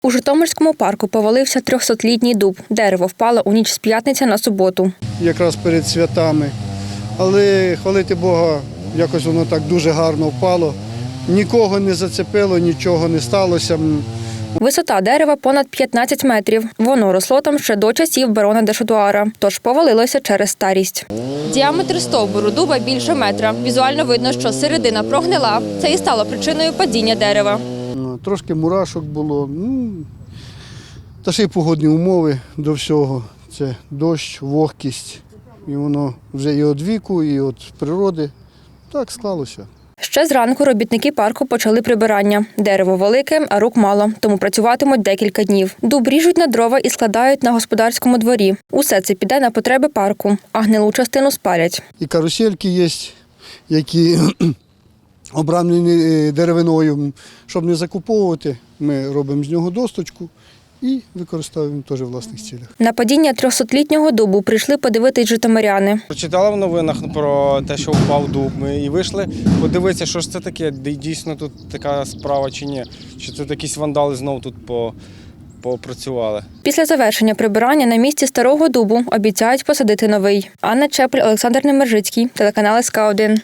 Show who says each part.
Speaker 1: У Житомирському парку повалився 300-літній дуб. Дерево впало у ніч з п'ятниці на суботу.
Speaker 2: Якраз перед святами. Але, хвалити Бога, якось воно так дуже гарно впало. Нікого не зацепило, нічого не сталося.
Speaker 1: Висота дерева понад 15 метрів. Воно росло там ще до часів барона де Шатуара, тож повалилося через старість. Діаметр стовбуру дуба більше метра. Візуально видно, що середина прогнила. Це і стало причиною падіння дерева.
Speaker 2: Трошки мурашок було, та ще й погодні умови до всього. Це дощ, вогкість. І воно вже і від віку, і від природи. Так склалося.
Speaker 1: Ще зранку робітники парку почали прибирання. Дерево велике, а рук мало, тому працюватимуть декілька днів. Дуб ріжуть на дрова і складають на господарському дворі. Усе це піде на потреби парку, а гнилу частину спалять.
Speaker 2: І карусельки є, які обрамлені деревиною. Щоб не закуповувати, ми робимо з нього досточку і використовуємо теж в власних цілях.
Speaker 1: На падіння 300-літнього дубу прийшли подивитись житомиряни.
Speaker 3: Прочитали в новинах про те, що впав дуб. Ми і вийшли подивитися, що ж це таке, дійсно тут така справа чи ні. Чи це якісь вандали знову тут попрацювали.
Speaker 1: Після завершення прибирання на місці старого дубу обіцяють посадити новий. Анна Чепель, Олександр Немержицький, телеканал СК1.